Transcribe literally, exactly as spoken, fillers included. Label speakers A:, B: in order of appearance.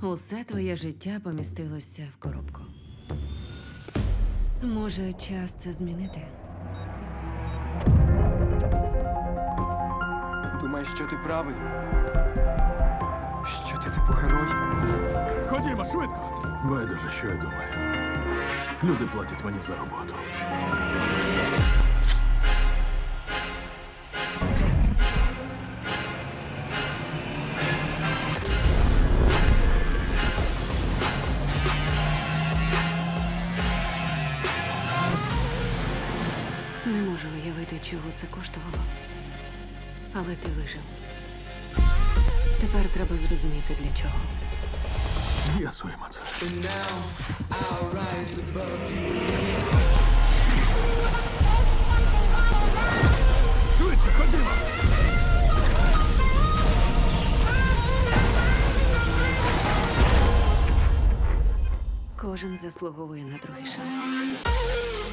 A: Усе твоє життя помістилося в коробку. Може, час це змінити?
B: Думаєш, що ти правий? Що ти типу герой?
C: Ходімо, швидко! Байдуже, що я думаю. Люди платять мені за роботу.
A: Не можу уявити, чого це коштувало. Але ти вижив. Тепер треба зрозуміти, для чого.
C: З'ясуємо це. Швидше, ходімо!
A: Кожен заслуговує на другий шанс.